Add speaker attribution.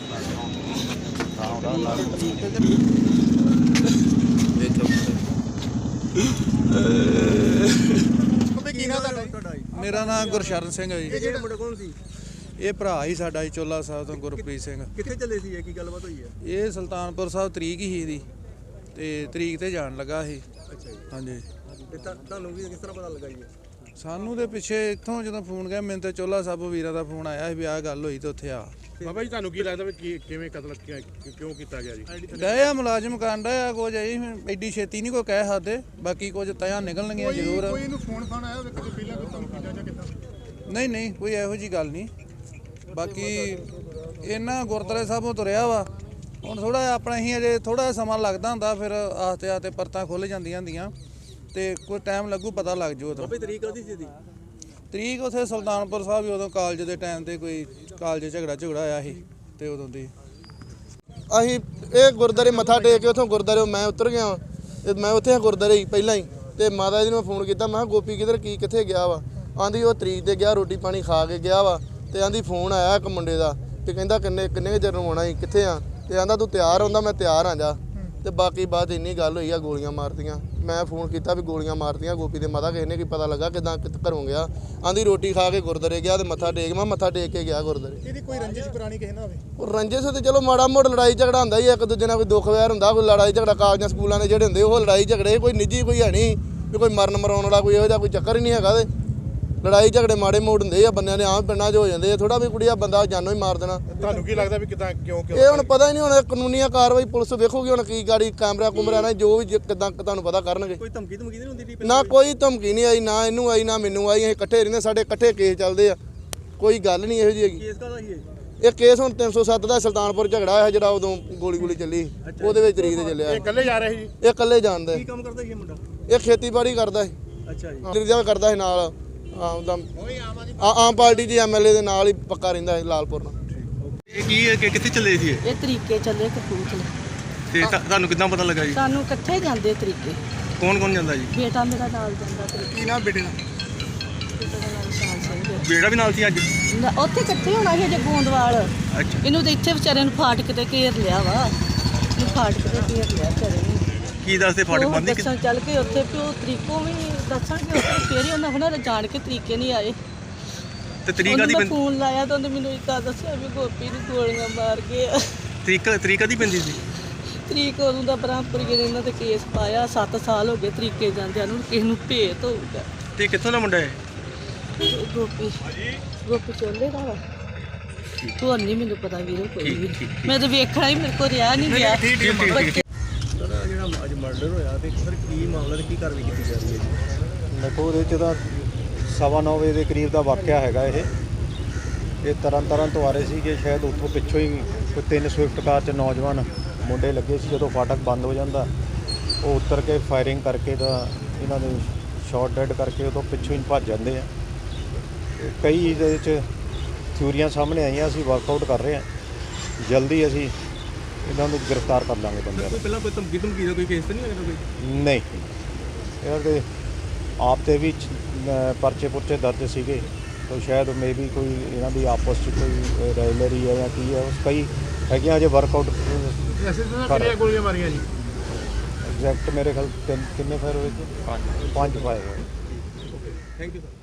Speaker 1: मेरा नाम गुरशरण सिंह है जी।
Speaker 2: ਜਿਹੜਾ ਮੁੰਡਾ ਕੌਣ ਸੀ?
Speaker 1: ये भरा ही साडा जी चोला साहब तो गुरप्रीत सिंह।
Speaker 2: ਕਿੱਥੇ ਚੱਲੇ ਸੀ? ਇਹ ਕੀ ਗੱਲਬਾਤ ਹੋਈ ਹੈ?
Speaker 1: ये सुल्तानपुर साहब तरीक ही दी ते तरीक ते जान लगा ही।
Speaker 2: ਅੱਛਾ ਜੀ।
Speaker 1: हाँ जी
Speaker 2: ਤੇ ਤੁਹਾਨੂੰ ਵੀ ਕਿਸ ਤਰ੍ਹਾਂ ਪਤਾ ਲੱਗਾ ਜੀ?
Speaker 1: सानू दे पिछे इत्थों जो फोन गया मैंने तो चोला साहब वीरा का फोन आया भी आह गल होई तो उत्थे आ।
Speaker 3: ਬਾਬਾ ਜੀ ਤੁਹਾਨੂੰ ਕੀ ਲੱਗਦਾ ਵੀ ਕਿਵੇਂ ਕਤਲ ਕਿਉਂ ਕੀਤਾ ਗਿਆ ਜੀ?
Speaker 1: गए मुलाजिम कांड है कुछ एडी छेती नहीं कोई कह सकते, बाकी कुछ तया निकलणगियां जरूर।
Speaker 3: ਕੋਈ ਇਹਨੂੰ ਫੋਨ ਫਾਨ ਆਇਆ ਕਦੇ ਪਹਿਲਾਂ ਕੋਈ ਧਮਕੀ ਜਾਂ ਕਿੱਦਾਂ?
Speaker 1: नहीं नहीं कोई ਇਹੋ जी गल नहीं। बाकी इन्ना गुरद्वारे साहबों तुरिया वा ਹੁਣ ਥੋੜਾ ਆਪਣਾ ਹੀ ਅਜੇ ਥੋੜਾ ਸਮਾਂ ਲੱਗਦਾ ਹੁੰਦਾ, ਫਿਰ ਆਸਤੇ ਆਸਤੇ ਪਰਤਾਂ ਖੁੱਲ ਜਾਂਦੀਆਂ ਹੁੰਦੀਆਂ ਤੇ ਕੋਈ ਟਾਈਮ ਲੱਗੂ ਪਤਾ ਲੱਗ ਜੂ। ਉਦੋਂ
Speaker 2: ਬਾਬੇ ਤਰੀਕ ਕਾਹਦੀ ਸੀ?
Speaker 1: ਤਰੀਕ ਉੱਥੇ ਸੁਲਤਾਨਪੁਰ ਸਾਹਿਬ ਉਦੋਂ ਕਾਲਜ ਦੇ ਟਾਈਮ ਤੇ ਕੋਈ ਕਾਲਜ ਝਗੜਾ ਆਇਆ ਸੀ ਤੇ ਉਦੋਂ ਦੀ
Speaker 4: ਅਸੀਂ ਇਹ ਗੁਰਦਾਰੇ ਮੱਥਾ ਟੇਕ ਕੇ ਉੱਥੋਂ ਗੁਰਦਾਰੇ ਮੈਂ ਉਤਰ ਗਿਆ। ਮੈਂ ਉੱਥੇ ਗੁਰਦਾਰੇ ਹੀ ਪਹਿਲਾਂ ਹੀ ਤੇ ਮਾਤਾ ਜੀ ਨੂੰ ਫੋਨ ਕੀਤਾ, ਮੈਂ ਕਿਹਾ ਗੋਪੀ ਕਿੱਧਰ ਕਿੱਥੇ ਗਿਆ ਵਾ? ਆਂਦੀ ਉਹ ਤਰੀਕ ਤੇ ਗਿਆ, ਰੋਟੀ ਪਾਣੀ ਖਾ ਕੇ ਗਿਆ ਵਾ। ਤੇ ਆਂਦੀ ਫੋਨ ਆਇਆ ਇੱਕ ਮੁੰਡੇ ਦਾ ਤੇ ਕਹਿੰਦਾ ਕਿੰਨੇ ਚਿਰ ਨੂੰ ਆਉਣਾ ਸੀ, ਕਿੱਥੇ ਆ? ਤੇ ਆਂਦਾ ਤੂੰ ਤਿਆਰ ਹੁੰਦਾ? ਮੈਂ ਤਿਆਰ ਆ ਜਾ। ਤੇ ਬਾਕੀ ਬਾਤ ਇੰਨੀ ਗੱਲ ਹੋਈ ਆ, ਗੋਲੀਆਂ ਮਾਰਤੀਆਂ। ਮੈਂ ਫੋਨ ਕੀਤਾ ਵੀ ਗੋਲੀਆਂ ਮਾਰਤੀਆਂ ਗੋਪੀ ਦੇ ਮਾਤਾ, ਕਿਸੇ ਨੇ ਕੀ ਪਤਾ ਲੱਗਾ ਕਿੱਦਾਂ ਘਰੋਂ ਗਿਆ? ਆਂਦੀ ਰੋਟੀ ਖਾ ਕੇ ਗੁਰਦਾਰੇ ਗਿਆ ਤੇ ਮੱਥਾ ਟੇਕ। ਮੈਂ ਮੱਥਾ ਟੇਕ ਕੇ ਗਿਆ ਗੁਰਦਾਰੇ।
Speaker 3: ਇਹਦੀ ਕੋਈ ਰੰਜਿਸ਼ ਪੁਰਾਣੀ ਕਿਸੇ ਨਾਲ ਹੋਵੇ?
Speaker 4: ਉਹ ਰੰਜਿਸ਼ ਤੇ ਚਲੋ ਮਾੜਾ ਮੋੜ ਲੜਾਈ ਝਗੜਾ ਹੁੰਦਾ ਹੀ, ਇੱਕ ਦੂਜੇ ਨਾਲ ਕੋਈ ਦੁੱਖ ਵੈਰ ਹੁੰਦਾ, ਕੋਈ ਲੜਾਈ ਝਗੜਾ ਕਾਲਜਾਂ ਸਕੂਲਾਂ ਦੇ ਜਿਹੜੇ ਹੁੰਦੇ ਉਹ ਲੜਾਈ ਝਗੜੇ, ਕੋਈ ਨਿੱਜੀ ਕੋਈ ਹੈ ਨਹੀਂ ਵੀ ਕੋਈ ਮਰਨ ਮਰਾਉਣ ਵਾਲਾ ਕੋਈ ਇਹੋ ਜਿਹਾ ਕੋਈ ਚੱਕਰ ਹੀ ਨਹੀਂ ਹੈਗਾ। ਤੇ ਲੜਾਈ ਝਗੜੇ ਮਾੜੇ ਮੋੜ ਹੁੰਦੇ ਆ ਬੰਦਿਆਂ ਦੇ, ਆਮ ਪਿੰਡਾਂ 'ਚ ਹੋ ਜਾਂਦੇ ਆ। ਥੋੜਾ ਵੀ ਕੁੜੀਆ ਬੰਦਾ ਜਾਨੋਂ ਹੀ ਮਾਰ ਦੇਣਾ।
Speaker 3: ਤੁਹਾਨੂੰ ਕੀ ਲੱਗਦਾ ਵੀ ਕਿਦਾਂ ਕਿਉਂ
Speaker 4: ਇਹ ਹੁਣ ਪਤਾ ਹੀ ਨਹੀਂ, ਹੁਣ ਕਾਨੂੰਨੀਆ ਕਾਰਵਾਈ ਪੁਲਿਸ ਵੇਖੂਗੀ ਹੁਣ ਕੀ ਗਾੜੀ ਕੈਮਰਾ ਨਾਲ ਜੋ ਵੀ ਕਿਦਾਂ ਤੁਹਾਨੂੰ ਪਤਾ ਕਰਨਗੇ।
Speaker 2: ਕੋਈ ਧਮਕੀ ਨਹੀਂ ਹੁੰਦੀ ਸੀ?
Speaker 4: ਨਾ ਕੋਈ ਧਮਕੀ ਨਹੀਂ ਆਈ, ਨਾ ਇਹਨੂੰ ਆਈ ਨਾ ਮੈਨੂੰ ਆਈ। ਅਸੀਂ ਇਕੱਠੇ ਰਹਿੰਦੇ, ਸਾਡੇ ਇਕੱਠੇ ਕੇਸ ਚੱਲਦੇ ਆ, ਕੋਈ ਗੱਲ ਨਹੀਂ ਇਹੋ ਜਿਹੀ ਹੈਗੀ।
Speaker 2: ਕੇਸ ਕਾਹਦਾ ਸੀ ਇਹ?
Speaker 4: ਇਹ ਕੇਸ ਹੁਣ 307 ਦਾ ਸੁਲਤਾਨਪੁਰ ਝਗੜਾ ਹੋਇਆ ਜਿਹੜਾ ਉਦੋਂ ਗੋਲੀ ਚੱਲੀ, ਉਹਦੇ ਵਿੱਚ ਤਰੀਕ ਤੇ ਚੱਲਿਆ।
Speaker 3: ਇਹ ਇਕੱਲੇ ਜਾ ਰਹੇ ਸੀ ਜੀ?
Speaker 4: ਇਹ ਇਕੱਲੇ ਜਾਣਦਾ।
Speaker 2: ਕੀ ਕੰਮ ਕਰਦਾ ਸੀ ਇਹ ਮੁੰਡਾ?
Speaker 4: ਇਹ ਖੇਤੀਬਾੜੀ ਕਰਦਾ ਸੀ।
Speaker 2: ਅੱਛਾ ਜੀ।
Speaker 4: ਲਿਰਜਾ ਕਰਦਾ ਸੀ ਨਾਲ ਆਮ ਪਾਰਟੀ ਦੇ ਐਮਐਲਏ ਦੇ ਨਾਲ ਹੀ ਪੱਕਾ ਰਹਿੰਦਾ ਸੀ ਲਾਲਪੁਰ ਨਾਲ।
Speaker 5: ਇਹ ਕੀ ਹੈ ਕਿ ਕਿੱਥੇ ਚੱਲੇ ਸੀ
Speaker 6: ਇਹ ਤਰੀਕੇ ਚੱਲੇ ਕਪੂਰਥਲੇ।
Speaker 5: ਤੇ ਤੁਹਾਨੂੰ ਕਿੱਦਾਂ ਪਤਾ ਲੱਗਾ ਜੀ?
Speaker 6: ਸਾਨੂੰ ਇਕੱਠੇ ਜਾਂਦੇ ਤਰੀਕੇ।
Speaker 5: ਕੌਣ ਕੌਣ ਜਾਂਦਾ ਜੀ?
Speaker 6: ਬੇਟਾ ਮੇਰਾ ਨਾਲ ਜਾਂਦਾ ਤਰੀਕੇ।
Speaker 3: ਕੀ ਨਾਮ ਬੇਟੇ ਦਾ?
Speaker 6: ਬੇਟਾ ਦਾ ਨਾਮ ਸ਼ਾਨ ਸਿੰਘ ਹੈ।
Speaker 5: ਬੇੜਾ ਵੀ ਨਾਲ ਸੀ ਅੱਜ?
Speaker 6: ਉੱਥੇ ਇਕੱਠੇ ਹੋਣਾ ਸੀ ਜੇ ਗੋਂਦਵਾਲ।
Speaker 5: ਅੱਛਾ।
Speaker 6: ਇਹਨੂੰ ਤਾਂ ਇੱਥੇ ਵਿਚਾਰੇ ਨੂੰ ਫਾਟਕ ਤੇ ਘੇਰ ਲਿਆ ਵਾ। ਇਹਨੂੰ ਫਾਟਕ ਤੇ ਘੇਰ ਲਿਆ ਵਿਚਾਰੇ ਨੂੰ।
Speaker 5: ਕੀ ਦੱਸਦੇ ਫਾਟਕ ਬੰਦ ਹੀ?
Speaker 6: ਦੱਸਣ ਚੱਲ ਕੇ ਉੱਥੇ ਵੀ ਉਹ ਤਰੀਕੋਂ ਵੀ ਦੱਸਣਗੇ ਉੱਥੇ, ਫੇਰ ਹੀ ਉਹਨਾਂ ਹੋਣਾ ਜਾਣ ਕੇ ਤਰੀਕੇ ਨਹੀਂ ਆਏ।
Speaker 5: ਤੇ ਤਰੀਕ ਆਦੀ
Speaker 6: ਉਹਨੂੰ ਫੋਨ ਲਾਇਆ ਤਾਂ ਉਹਨੇ ਮੈਨੂੰ ਇੱਦਾਂ ਦੱਸਿਆ ਵੀ ਗੋਪੀ ਨੂੰ ਗੋਲੀਆਂ ਮਾਰ ਗਏ ਆ।
Speaker 5: ਤਰੀਕ ਆਦੀ ਪੈਂਦੀ ਸੀ?
Speaker 6: ਤਰੀਕ ਉਦੋਂ ਦਾ ਬ੍ਰਹਮਪੁਰੀ ਨੇ ਇਹਨਾਂ ਤੇ ਕੇਸ ਪਾਇਆ। 7 ਸਾਲ ਹੋ ਗਏ ਤਰੀਕੇ ਜਾਂਦਿਆਂ ਨੂੰ, ਕਿਸੇ ਨੂੰ ਭੇਤ ਹੋਊਗਾ।
Speaker 5: ਤੇ ਕਿੱਥੋਂ ਦਾ ਮੁੰਡਾ ਹੈ?
Speaker 6: ਗੋਪੀ ਚੋਲੇ ਦਾ ਵਾ। ਤੂੰ ਨਹੀਂ ਮੈਨੂੰ ਪਤਾ ਵੀਰੇ ਕੋਈ ਵੀ। ਮੈਂ ਤਾਂ ਵੇਖਣਾ ਹੀ, ਮੇਰੇ ਕੋਲ ਰਿਹਾ ਨਹੀਂ ਗਿਆ।
Speaker 2: ਜਿਹੜਾ ਅੱਜ ਮਰਡਰ ਹੋਇਆ ਤੇ ਸਰ ਕੀ ਮਾਮਲਾ ਤੇ ਕੀ ਕਾਰਵਾਈ ਕੀਤੀ ਜਾ ਰਹੀ ਹੈ ਜੀ?
Speaker 7: ਦੇਖੋ ਉਹਦੇ 'ਚ ਤਾਂ 9:15 ਵਜੇ ਦੇ ਕਰੀਬ ਦਾ ਵਾਕਿਆ ਹੈਗਾ। ਇਹ ਤਰਨ ਤੋਂ ਆ ਰਹੇ ਸੀਗੇ, ਸ਼ਾਇਦ ਉੱਥੋਂ ਪਿੱਛੋਂ ਹੀ ਕੋਈ 3 ਸਵਿਫਟ ਕਾਰ 'ਚ ਨੌਜਵਾਨ ਮੁੰਡੇ ਲੱਗੇ ਸੀ। ਜਦੋਂ ਫਾਟਕ ਬੰਦ ਹੋ ਜਾਂਦਾ ਉਹ ਉਤਰ ਕੇ ਫਾਇਰਿੰਗ ਕਰਕੇ ਤਾਂ ਇਹਨਾਂ ਦੇ ਸ਼ਾਟ ਡੈਡ ਕਰਕੇ ਉਦੋਂ ਪਿੱਛੋਂ ਹੀ ਭੱਜ ਜਾਂਦੇ ਆ। ਕਈ ਇਹਦੇ 'ਚ ਥਿਊਰੀਆਂ ਸਾਹਮਣੇ ਆਈਆਂ, ਅਸੀਂ ਵਰਕਆਊਟ ਕਰ ਰਹੇ ਹਾਂ। ਜਲਦੀ ਅਸੀਂ ਇਹਨਾਂ ਨੂੰ ਗ੍ਰਿਫਤਾਰ ਕਰ ਲਾਂਗੇ ਬੰਦਿਆਂ ਨੂੰ।
Speaker 2: ਪਹਿਲਾਂ ਕੋਈ ਧਮਕੀ ਦਾ ਕੋਈ ਕੇਸ ਤਾਂ ਨਹੀਂ ਲੱਗਦਾ ਕੋਈ?
Speaker 7: ਨਹੀਂ, ਇਹਨਾਂ ਦੇ ਆਪ 'ਤੇ ਵੀ ਪਰਚੇ ਪੁਰਚੇ ਦਰਜ ਸੀਗੇ, ਤਾਂ ਸ਼ਾਇਦ ਮੇ ਵੀ ਕੋਈ ਇਹਨਾਂ ਦੀ ਆਪਸ 'ਚ ਕੋਈ ਰਾਈਵਲਰੀ ਹੈ ਜਾਂ ਕੀ ਹੈ, ਉਸ ਕਈ ਹੈਗੀਆਂ ਅਜੇ ਵਰਕਆਊਟ।
Speaker 3: ਕਿੰਨੀਆਂ ਗੋਲੀਆਂ ਮਾਰੀਆਂ ਜੀ?
Speaker 7: ਐਗਜ਼ੈਕਟ ਮੇਰੇ ਖਿਆਲ ਕਿੰਨੇ ਫਾਇਰ ਹੋਏ ਸੀ? 5 ਫਾਇਰ ਹੋਏ।
Speaker 2: Thank you sir.